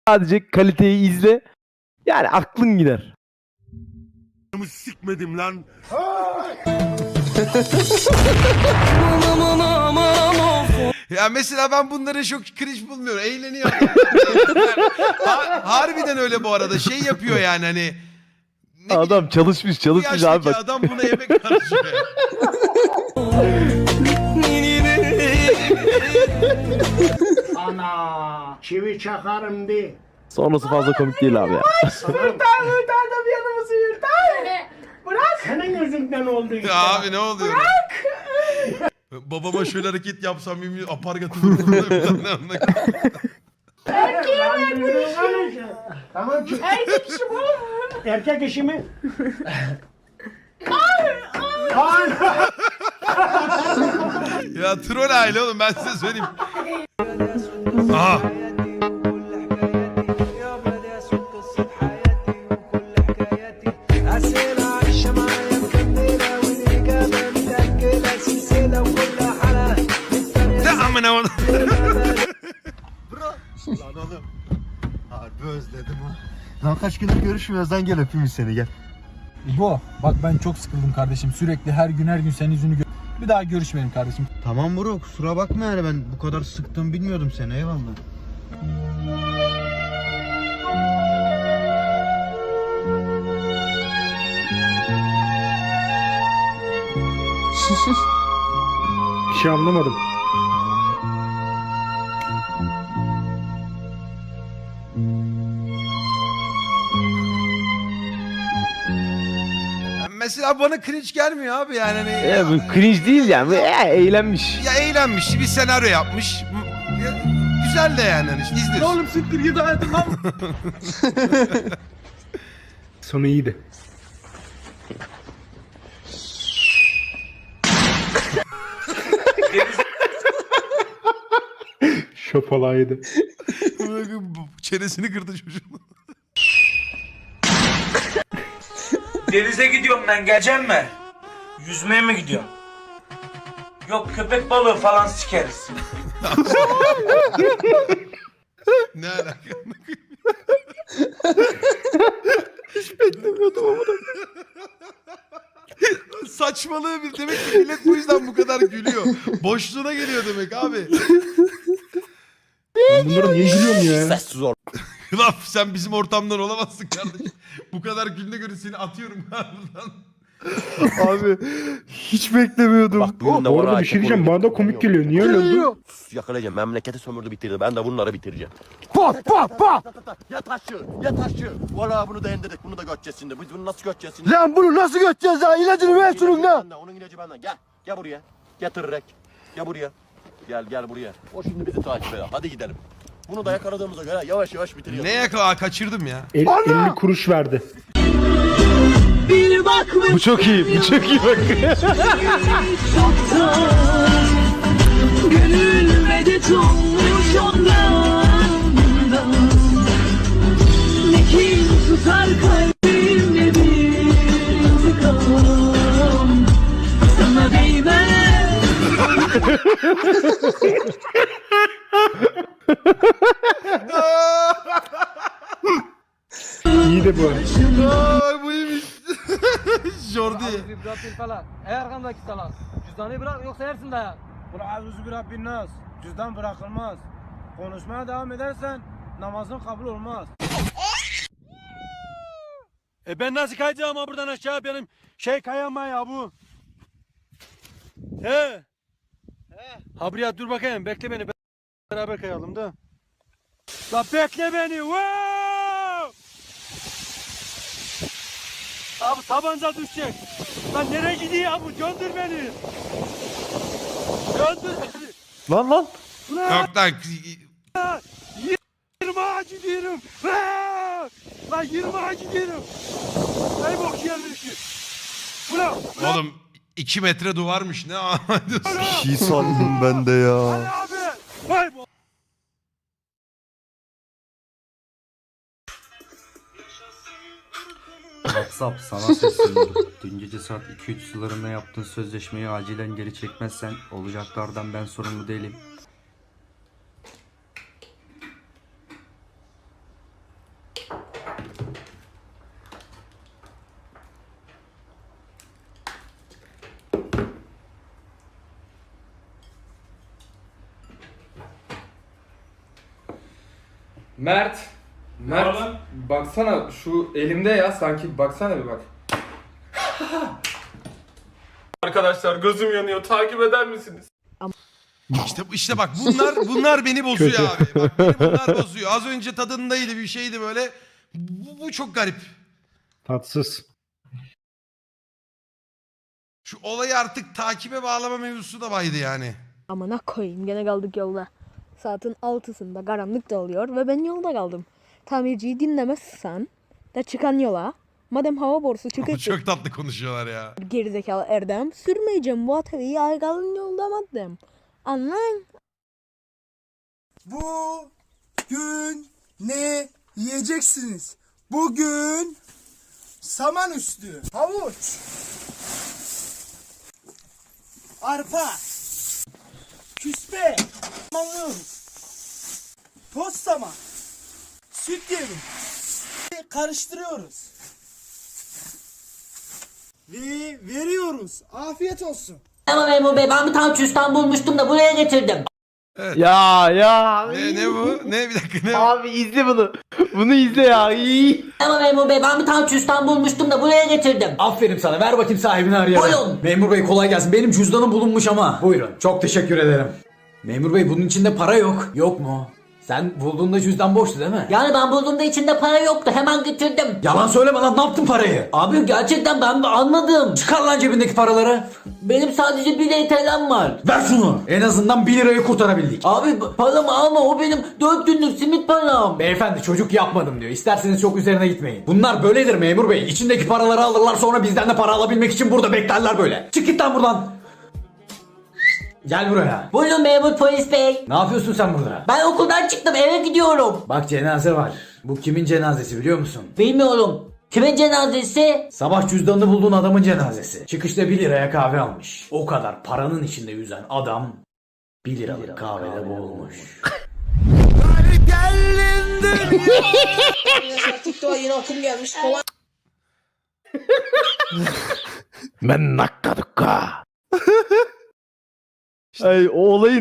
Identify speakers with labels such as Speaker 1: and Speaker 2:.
Speaker 1: Sadece kaliteyi izle. Yani aklın gider.
Speaker 2: Sikmedim lan.
Speaker 3: Ya mesela ben bunları çok cringe bulmuyorum. Eğleniyor. Harbiden öyle bu arada. Şey yapıyor yani hani. Ne
Speaker 1: Adam
Speaker 3: bileyim,
Speaker 1: çalışmış
Speaker 3: bu
Speaker 1: abi
Speaker 3: yaştaki
Speaker 1: bak.
Speaker 3: adam buna emek harcıyor.
Speaker 2: Ana çivi çakarım de.
Speaker 1: Sonrası fazla komik değil abi ya.
Speaker 2: Hırtarda bir yanımızı hırtar. Bırak. Senin yüzünden oldu işte.
Speaker 3: Ya abi ne oluyor? Bırak. Babama şöyle hareket yapsam yemin apargatı vururdum.
Speaker 2: Tamam ki. Erkek işi bu. Erkek işi mi?
Speaker 3: Ya troll aile oğlum ben size söyleyeyim. Aha. Ne amına oğlum.
Speaker 4: Lan oğlum. Harbi özledim ha. Lan kaç gündür görüşmüyoruz lan, gel öpeyim seni, gel.
Speaker 5: İbo bak ben çok sıkıldım kardeşim. Sürekli her gün senin yüzünü bir daha görüşmeyelim kardeşim.
Speaker 4: Tamam bro, kusura bakma yani, ben bu kadar sıktım bilmiyordum seni, eyvallah.
Speaker 6: Bir şey anlamadım.
Speaker 3: Mesela bana cringe gelmiyor abi yani hani.
Speaker 1: Bu cringe değil yani. Eğlenmiş.
Speaker 3: Ya eğlenmiş, bir senaryo yapmış. Ya, güzel de yani hani işte izliyorsun.
Speaker 5: Oğlum siktir git hayatımdan.
Speaker 6: Sonu iyiydi. Şopalaydı.
Speaker 3: Çenesini kırdı çocuğun.
Speaker 7: Denize gidiyorum ben, geleceğim mi? Yüzmeye mi gidiyorum? Yok, köpek balığı falan sikeriz.
Speaker 3: Ne alaka?
Speaker 1: Beklemiyordum ama da.
Speaker 3: Saçmalığı bir, demek ki millet bu yüzden bu kadar gülüyor. Boşluğuna geliyor demek abi.
Speaker 6: Ben bunlara niye gülüyorum ya?
Speaker 3: Lan sen bizim ortamdan olamazsın kardeşim. Bu kadar gülüne göre seni atıyorum buradan.
Speaker 4: Abi hiç beklemiyordum.
Speaker 6: Bu arada bir şey diyeceğim, bana da komik geliyor. Niye öyle oldu?
Speaker 8: Yakalayacağım. Memleketi sömürdü bitirdi. Ben de bunları bitireceğim. Ya taşı. Valla bunu da indirdik. Bunu da göteceğiz şimdi. Biz bunu nasıl göteceğiz şimdi?
Speaker 4: Lan bunu nasıl göteceğiz ya? İlacını ver şunun da.
Speaker 8: Onun ilacı benden. Gel. Gel buraya. Getirerek. Gel buraya. Gel buraya. O şimdi bizi takip eder. Hadi gidelim. Bunu da yakaladığımıza göre yavaş yavaş bitiriyoruz.
Speaker 3: Ne yakala? Kaçırdım ya.
Speaker 6: 50 kuruş verdi.
Speaker 1: Bu çok iyi. Bu çok iyi bak.
Speaker 9: Gönül medet olmuş ondan. Ne kin tutar kalbimde bir gam. Sana değmez.
Speaker 6: İyi de bu.
Speaker 3: Ay bu iyiymiş. Jordi.
Speaker 5: falan. Ey arkamdaki salak. Cüzdanı bırak yoksa yersin dayak. Kul avuzu bir Rabbin nas. Cüzdan bırakılmaz. Konuşmaya devam edersen namazın kabul olmaz. Ben nasıl kayacağım ha buradan aşağı, benim kayama ya bu. He. Ha buraya dur bakayım, bekle beni, beraber kayalım da. La bekle beni. Wow! Abi tabanca düşecek. Lan nereye gidiyor abi? Gönder beni. Gönder beni.
Speaker 1: Lan.
Speaker 3: Yok lan.
Speaker 5: 20'a gidiyorum. Lan 20'a gidiyorum. Ey bok yerleri. Ulan.
Speaker 3: Oğlum 2 metre duvarmış ne anlatıyorsun?
Speaker 4: Bir şey sandım ben de ya.
Speaker 5: Abi. Vay bok.
Speaker 10: WhatsApp sana sesleniyorum. Dün gece saat 2-3 sularında yaptığın sözleşmeyi acilen geri çekmezsen olacaklardan ben sorumlu değilim.
Speaker 5: Mert. Mert baksana şu elimde ya sanki baksana bir bak. Arkadaşlar gözüm yanıyor takip eder misiniz?
Speaker 3: İşte bak bunlar beni bozuyor abi. Bak beni bunlar bozuyor. Az önce tadındaydı bir şeydi böyle. Bu çok garip.
Speaker 6: Tatsız.
Speaker 3: Şu olayı artık takibe bağlama mevzusu da baydı yani.
Speaker 11: Amına koyayım gene kaldık yolda. Saatin 6'sında karanlık da oluyor ve ben yolda kaldım. Tamirciyi dinlemezsen de çıkan yola. Madem hava borusu
Speaker 3: Ama
Speaker 11: çıkıp
Speaker 3: çok tatlı konuşuyorlar ya.
Speaker 11: gerizekalı Erdem sürmeyeceğim bu atölyeyi aygalın yolda madem. Anlayın.
Speaker 5: Bugün ne yiyeceksiniz? Bugün saman üstü, havuç, arpa, küspe, samanlıyoruz, toz saman, süt yemi, karıştırıyoruz ve veriyoruz. Afiyet olsun.
Speaker 9: Ama memur bey ben bir tane cüzdan bulmuştum da buraya getirdim.
Speaker 3: Evet.
Speaker 1: Ya ya.
Speaker 3: Ne bu? Ne bir dakika ne?
Speaker 1: Abi izle bunu. Bunu izle ya. İyi.
Speaker 9: Ama memur bey ben bir tane cüzdan bulmuştum da buraya getirdim.
Speaker 5: Aferin sana. Ver bakayım sahibini arayalım.
Speaker 9: Buyurun.
Speaker 5: Memur bey kolay gelsin. Benim cüzdanım bulunmuş ama. Buyurun. Çok teşekkür ederim. Memur bey bunun içinde para yok. Yok mu? Sen bulduğunda cüzdan boştu değil mi?
Speaker 9: Yani ben bulduğumda içinde para yoktu hemen getirdim.
Speaker 5: Yalan söyleme lan, ne yaptın parayı?
Speaker 9: Abi gerçekten ben anladım.
Speaker 5: Çıkar lan cebindeki paraları.
Speaker 9: Benim sadece 1 TL'm var.
Speaker 5: Ver şunu. En azından 1 lirayı kurtarabildik.
Speaker 9: Abi paramı alma o benim 4 günlük simit param.
Speaker 5: Beyefendi çocuk yapmadım diyor. İsterseniz çok üzerine gitmeyin. Bunlar böyledir memur bey. İçindeki paraları alırlar sonra bizden de para alabilmek için burada beklerler böyle. Çık git lan buradan. Gel buraya.
Speaker 9: Buyurun memur polis bey.
Speaker 5: Ne yapıyorsun sen burada?
Speaker 9: Ben okuldan çıktım eve gidiyorum.
Speaker 5: Bak cenaze var. Bu kimin cenazesi biliyor musun?
Speaker 9: Bilmiyorum. Kimin cenazesi?
Speaker 5: Sabah cüzdanını bulduğun adamın cenazesi. Çıkışta 1 liraya kahve almış. O kadar paranın içinde yüzen adam 1 liralık kahvede boğulmuş.
Speaker 11: Yine okum gelmiş kolay.
Speaker 1: Ben nakka dukka. Ay o olayın